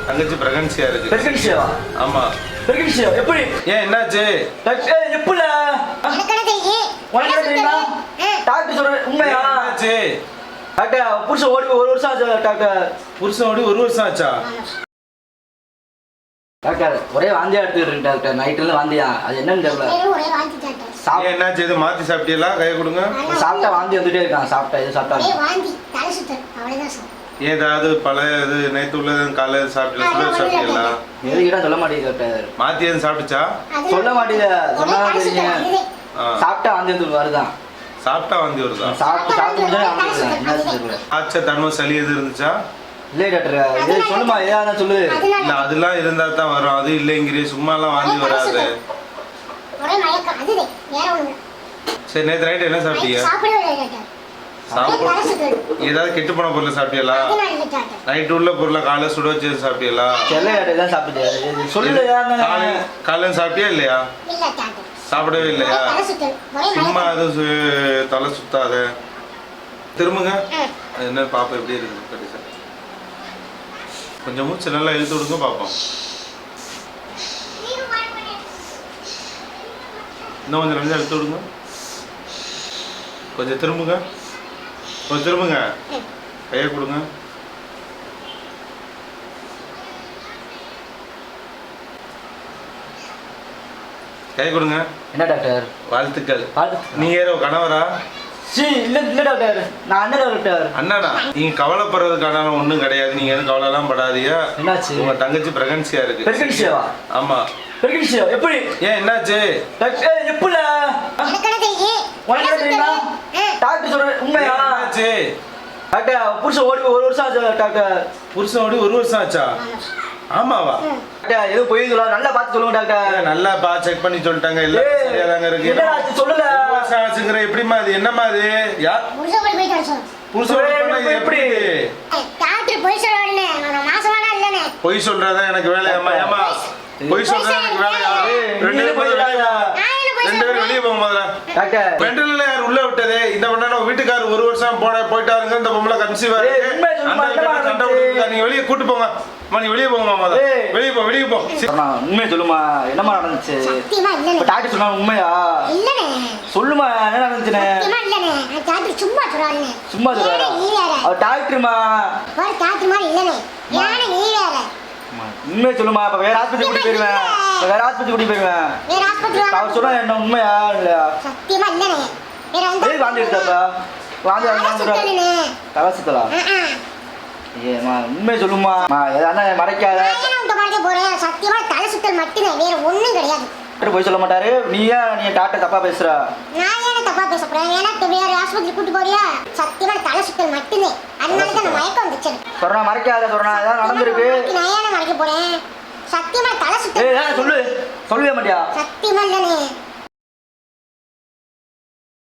தங்கச்சி பிரெக்னன்சியா இருக்கு. பிரெக்னன்சியாவா? ஆமா. பிரெக்னன்சியா? எப்படி? ஏன் என்னாச்சு? டாக்டர் எப்பல? எனக்கு என்ன தெரியும்? உனக்கு என்ன தெரியுமா? டாக்டர் சொல்ற உண்மையா? என்னாச்சு? டாக்டர் புருஷன் ஓடி 1 வருஷம் ஆச்சு டாக்டர். புருஷன் ஓடி 1 வருஷம் ஆச்சா? டாக்டர் ஒரே வாந்தியா எடுத்துட்டு இருக்கு டாக்டர். நைட்ல வாந்தியா. அது என்னன்னு தெரியல. ஒரே வாந்தி டாக்டர். என்னாச்சு? இது மாத்தி சாப்பிட்டீங்களா? கையை கொடுங்க. சாப்பிட்டா வாந்தி வந்துட்டே இருக்கான். சாப்பிட்டா இது சாப்பிட்டா ஒரே வாந்தி தலை சுத்தல் அவ்வளவுதான் சார். ஏதாவது பழைய இது நேத்து உள்ளது காலையில சாப்பிட்டீங்களா? எதுக்கிட்ட சொல்ல மாட்டேங்குது டாக்டர். மாத்தி எதுவும் சாப்பிட்டுச்சா? சொல்ல மாட்டேங்குது. சொன்னா தெரியுங்க. சாப்பிட்டா வாந்தி வந்து வருதான். சாப்பிட்டா வாந்தி வருதா? சாப்பிட்டு முடிஞ்சா வாந்தி வருது. என்ன தெரியல. ஆச்சா தன்மை சளி எது இருந்துச்சா? இல்லை டாக்டர். இது சொல்லுமா ஏதாவது சொல்லு. இல்ல அதெல்லாம் இருந்தா தான் வரும். அது இல்லைங்கிறே சும்மா எல்லாம் வாந்தி வராது. ஒரே மயக்கம் அதுதே வேற ஒண்ணு. சரி நேத்து நைட் என்ன சாப்பிட்டீங்க? சாப்பிடவே இல்லை டாக்டர். ஏதாவது கெட்டு போன பொருளை சாப்பிட்டீங்களா? நைட் உள்ள பொருளை காலைல சுட வச்சு சாப்பிட்டீங்களா? தான் சாப்பிட்டு சொல்லு. காலைல சாப்பிட்டியா இல்லையா? சாப்பிடவே இல்லையா? சும்மா அது தலை சுத்தாத. திரும்புங்க. என்ன பாப்பா எப்படி இருக்கு கடைசி? கொஞ்சம் மூச்சு நல்லா இழுத்து விடுங்க பாப்போம். இன்னும் கொஞ்சம் நல்லா இழுத்து விடுங்க. கொஞ்சம் திரும்புங்க. கொஞ்சம் திரும்புங்க. கையை கொடுங்க. கை கொடுங்க. என்ன டாக்டர்? வாழ்த்துக்கள். நீங்க யாரோ கணவரா? இல்ல இல்ல டாக்டர். நான் அண்ணன் டாக்டர். அண்ணனா? நீங்க கவலைப்படுறதுக்கான ஒண்ணும் கிடையாது. நீங்க எதுவும் கவலை எல்லாம் படாதீங்க. என்னாச்சு? உங்க தங்கச்சி பிரெக்னன்சியா இருக்கு. பிரெக்னன்சியாவா? ஆமா. பிரெக்னன்சியா? எப்படி? ஏன் என்னாச்சு? டாக்டர் எப்பல? எனக்கு என்ன தெரியும்? உனக்கு என்ன தெரியுமா? டாக்டர் சொல்ற உண்மையா? என்னாச்சு? டாக்டர் புருஷன் ஓடி 1 வருஷம் ஆச்சு டாக்டர். புருஷன் ஓடி 1 வருஷம் ஆச்சா? ஆமாவா? டாக்டர் எதுவும் போய் சொல்ல நல்லா பார்த்து சொல்லுங்க டாக்டர். நல்லா செக் பண்ணி சொல்லிட்டாங்க. எல்லாம் சரியா தாங்க இருக்கு. என்ன சொல்லல. ஆச்சுங்கிற எப்படிமா அது? என்னமா அது? யார் புருஷன் ஓடி போயிட்டாரு சார். புருஷன் ஓடி போனா எப்படி? டாக்டர் போய் சொல்றானே. நான் மாசமானா இல்லனே. போய் சொல்றதா எனக்கு வேலையாமா? ஏமா போய் சொல்றதா எனக்கு வேலையா? ரெண்டு பேரும் வெளியே போங்க முதல்ல. டாக்டர் பெண்ட்ரோல்ல யார் உள்ள விட்டதே? இந்த பண்ணா வீட்டுக்காரர் 1 வருஷம் போயிட்டாருங்க. இந்த பொம்பளை கன்சீவ் ஆயிருக்கு. சண்டை விட்டுருக்கா. நீங்க வெளியே கூட்டு போங்க. நீ வெளியே போங்கம்மா. முதல்ல வெளியே போ. வெளியே போ. உண்மையை சொல்லுமா. என்னமா நடந்துச்சு? டாக்டர் சொன்னா உண்மையா? இல்லனே. சொல்லுமா என்ன நடந்துச்சுனே? இல்லனே. டாக்டர் சும்மா சொல்றானே. சும்மா சொல்றாரா? அவர் டாக்டர்மா. அவர் டாக்டர் மாதிரி இல்லனே. யானே நீ வேற. உண்மையை சொல்லுமா. அப்ப வேற ஆஸ்பத்திரி கூட்டி போயிருவேன். வேற ஆஸ்பத்திரி கூட்டி போயிருவேன். வேற ஆஸ்பத்திரி அவர் சொன்னா என்ன உண்மையா இல்லையா? சத்தியமா இல்லனே. வேற அந்த வாந்தி எடுத்தப்ப வாந்தி வந்து கவசத்தலா? ஏமா உண்மையை சொல்லுமா. எதானே மறைக்காத. போறேன். சத்தியமா தலை சுத்தல் மட்டுமே வேற ஒண்ணும் கிடையாது. டாக்டர் போய் சொல்ல மாட்டாரு. நீ டாக்டர் தப்பா பேசுற. நான் ஏன் தப்பா பேச போறேன்? ஏன்னா வேற ஆஸ்பத்திரி கூட்டி போறியா? சத்தியமா தலை சுத்தல் மட்டுமே. அதனால தான் மயக்கம் வந்துச்சு. சொன்னா மறைக்காத. சொன்னா ஏதாவது நடந்திருக்கு. நான் ஏன் மறைக்க போறேன்? சத்தியமா தலை சுத்தல். சொல்லு. சொல்லவே மாட்டியா? சத்தியமா இல்லனே.